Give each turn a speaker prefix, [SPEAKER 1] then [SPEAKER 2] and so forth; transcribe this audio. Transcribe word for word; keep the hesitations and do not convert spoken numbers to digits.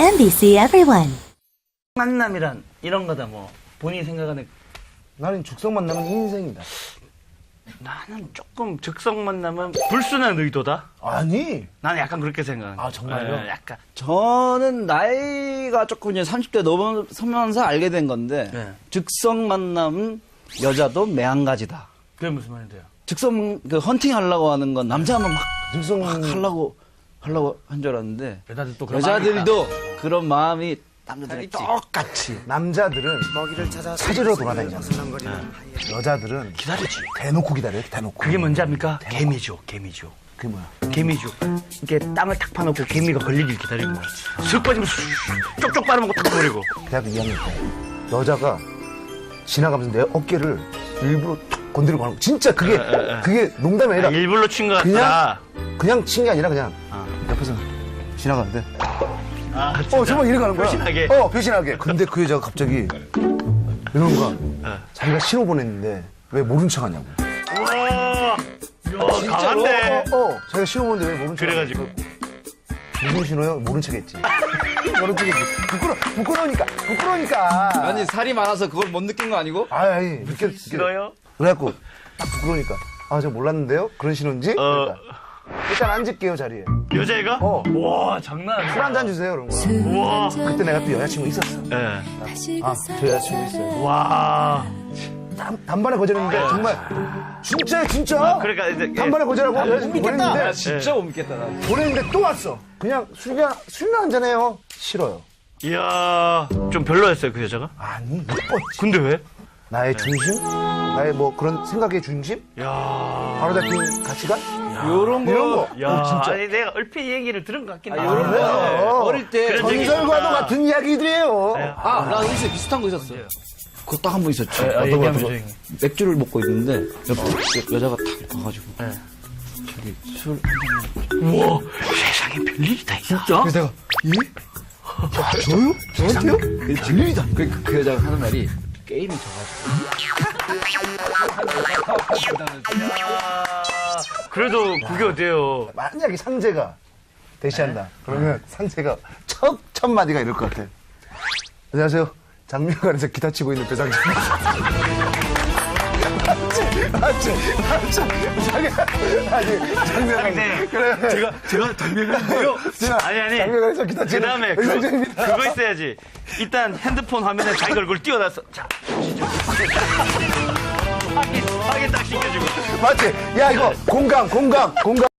[SPEAKER 1] 엠비씨 Everyone.
[SPEAKER 2] 만남이란 이런 거다 뭐 본인이 생각하는.
[SPEAKER 3] 나는 죽성 만나면 인생이다.
[SPEAKER 2] 나는 조금 즉석 만남은 불순한 의도다.
[SPEAKER 3] 아니.
[SPEAKER 2] 나는 약간 그렇게 생각해.
[SPEAKER 3] 아, 정말요?
[SPEAKER 2] 예, 약간.
[SPEAKER 4] 저는 나이가 조금 이제 삼십 대 넘어서면서 알게 된 건데
[SPEAKER 2] 네.
[SPEAKER 4] 즉석 만남은 여자도 매한가지다.
[SPEAKER 2] 그게 무슨 말인데요?
[SPEAKER 4] 즉석 그 헌팅 하려고 하는 건 남자만 막
[SPEAKER 3] 즉석
[SPEAKER 4] 막 하려고 하려고 한 줄 알았는데
[SPEAKER 2] 여자들 또 그런
[SPEAKER 4] 여자들도 그런 마음이 남자들이
[SPEAKER 2] 있다.
[SPEAKER 3] 똑같이. 남자들은 찾으러 돌아다니잖아. 여자들은
[SPEAKER 2] 기다리지.
[SPEAKER 3] 대놓고 기다려요, 대놓고.
[SPEAKER 2] 그게 뭔지 압니까? 개미죠, 개미죠.
[SPEAKER 3] 그게 뭐야?
[SPEAKER 2] 개미죠. 이게 땅을 탁 파놓고 개미가 걸리길 기다리는 거야. 슥 빠지면 쑥 쪽쪽 빨아먹고 탁 버리고.
[SPEAKER 3] 대학교 이 학년 때 여자가 지나가면서 내 어깨를 일부러 툭 건드리고 가는 거. 진짜 그게 그게 농담이 아니라
[SPEAKER 2] 아, 일부러 친 거
[SPEAKER 3] 그냥
[SPEAKER 2] 같다.
[SPEAKER 3] 그냥 친 게 아니라 그냥
[SPEAKER 2] 아.
[SPEAKER 3] 옆에서 지나가는데
[SPEAKER 2] 아,
[SPEAKER 3] 어 정말 이래 가는 거야.
[SPEAKER 2] 표신하게.
[SPEAKER 3] 어 표신하게. 근데 그 여자가 갑자기 이러는 거야.
[SPEAKER 2] 어.
[SPEAKER 3] 자기가 신호 보냈는데 왜 모른 척하냐고.
[SPEAKER 2] 우와. 야, 강한데.
[SPEAKER 3] 어, 어, 어. 자기가 신호 보냈는데 왜 모른 척?
[SPEAKER 2] 그래가지고.
[SPEAKER 3] 무슨 신호요? 모른 척했지. 모른 척했지. 부끄러 부끄러우니까 부끄러우니까.
[SPEAKER 4] 아니 살이 많아서 그걸 못 느낀 거 아니고?
[SPEAKER 3] 아니 아니 느껴 느껴.
[SPEAKER 2] 싫어요?
[SPEAKER 3] 그래갖고 딱 부끄러우니까 아 저 몰랐는데요? 그런 신호인지?
[SPEAKER 2] 어.
[SPEAKER 3] 그러니까 일단 앉을게요 자리에.
[SPEAKER 2] 여자애가?
[SPEAKER 3] 어.
[SPEAKER 2] 와, 장난 아니야.
[SPEAKER 3] 술 한 잔 주세요 그런 거.
[SPEAKER 2] 우와.
[SPEAKER 3] 그때 내가 또 여자친구 있었어.
[SPEAKER 2] 예.
[SPEAKER 3] 아 저 여자친구 있어요.
[SPEAKER 2] 와.
[SPEAKER 3] 단, 단번에 거절했는데 정말 진짜야 진짜.
[SPEAKER 2] 그러니까 이제.
[SPEAKER 3] 단번에 거절하고 여자친구 보냈는데
[SPEAKER 4] 진짜 못 믿겠다 나.
[SPEAKER 3] 보냈는데 또 왔어. 그냥 술이나 술이나 한 잔해요. 싫어요.
[SPEAKER 2] 이야. 좀 별로였어요, 그 여자가?
[SPEAKER 3] 아니 이뻤지.
[SPEAKER 2] 근데 왜?
[SPEAKER 3] 나의 중심, 나의 뭐 그런 생각의 중심,
[SPEAKER 2] 야.
[SPEAKER 3] 바로 잡힌 가치관
[SPEAKER 4] 요런 거.
[SPEAKER 3] 이런 거.
[SPEAKER 2] 야,
[SPEAKER 3] 어, 진짜.
[SPEAKER 2] 아니 내가 얼핏 얘기를 들은 것 같긴 해.
[SPEAKER 4] 요런
[SPEAKER 3] 네.
[SPEAKER 4] 거 어릴 때
[SPEAKER 2] 그런 적이
[SPEAKER 3] 전설과도
[SPEAKER 2] 있구나.
[SPEAKER 3] 같은 이야기들이에요.
[SPEAKER 4] 아, 나 여기서 비슷한 거 있었어요. 그거 딱 한 번 있었죠.
[SPEAKER 2] 아,
[SPEAKER 4] 어떤 거,
[SPEAKER 2] 얘기하면
[SPEAKER 4] 어떤 거.
[SPEAKER 2] 되지.
[SPEAKER 4] 맥주를 먹고 있는데 옆에 여자가 탁 와가지고
[SPEAKER 2] 네.
[SPEAKER 4] 저기 술
[SPEAKER 2] 우와, 세상에 별일이 다 있어. 진짜?
[SPEAKER 4] 그래서 내가 예?
[SPEAKER 3] 저요? 저한테요?
[SPEAKER 4] 진리다. 그, 그, 그 여자가 하는 말이 게임이 져가지고
[SPEAKER 2] 그래도 그게 어때요?
[SPEAKER 3] 만약에 상재가 대시한다. 그러면 상재가 첫, 첫 마디가 이럴 것 같아. 안녕하세요. 장미관에서 기타 치고 있는 배상진. 맞지? 맞지? 맞지? 자기가, 아니, 장미관. 그래.
[SPEAKER 2] 제가, 제가 장면인데요?
[SPEAKER 3] 제가
[SPEAKER 2] 아니, 아니.
[SPEAKER 3] 장미관에서 기타
[SPEAKER 2] 그
[SPEAKER 3] 치는
[SPEAKER 2] 다음에 그,
[SPEAKER 3] 배상진입니다.
[SPEAKER 2] 그거 있어야지. 일단 핸드폰 화면에 자기 얼굴 띄워놨어. 자, 확인, 확인 딱 시켜주고.
[SPEAKER 3] 맞지? 야, 이거 공감, 공감, 공감.